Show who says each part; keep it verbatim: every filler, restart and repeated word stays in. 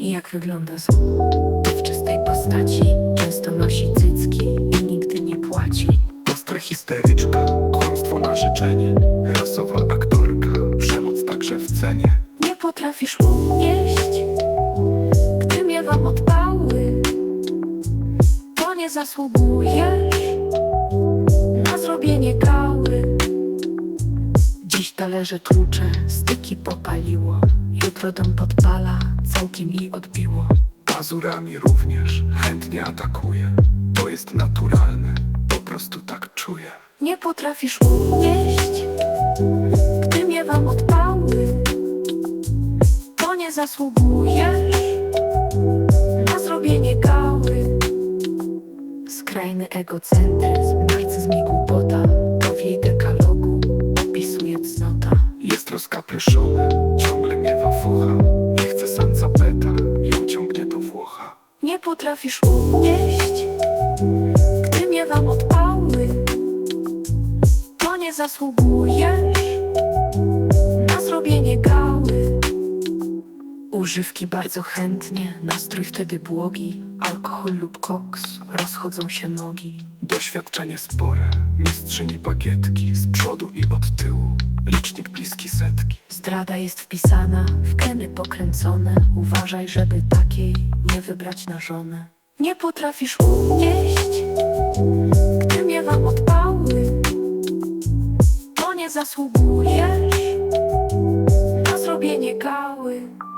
Speaker 1: I jak wygląda z w czystej postaci. Często nosi cycki i nigdy nie płaci.
Speaker 2: Ostra histeryczka, kłamstwo na życzenie, rasowa aktorka, przemoc także w cenie.
Speaker 1: Nie potrafisz unieść, gdy miewam odpały. To nie zasługujesz na zrobienie gały. Dziś talerze tłucze, styki popaliło. Jutro dom podpala, całkiem jej odbiło.
Speaker 2: Pazurami również chętnie atakuje. To jest naturalne, po prostu tak czuję.
Speaker 1: Nie potrafisz unieść, gdy miewam odpały. To nie zasługujesz na zrobienie gały. Skrajny egocentryzm, narcyzm i głupota to w jej dekalogu opisuje cnota.
Speaker 2: Jest rozkapryszona, ciągle miewa focha. Nie chce samca beta, ją ciągnie do Włocha.
Speaker 1: Nie potrafisz unieść, gdy miewam odpały. To nie zasługujesz na zrobienie gały. Używki bardzo chętnie, nastrój wtedy błogi. Alkohol lub koks, rozchodzą się nogi.
Speaker 2: Doświadczenie spore, mistrzyni bagietki. Z przodu i od tyłu, licznik bliski setki.
Speaker 1: Zdrada jest wpisana w geny pokręcone. Uważaj, żeby takiej nie wybrać na żonę. Nie potrafisz unieść, gdy miewam odpały. To nie zasługujesz na zrobienie gały.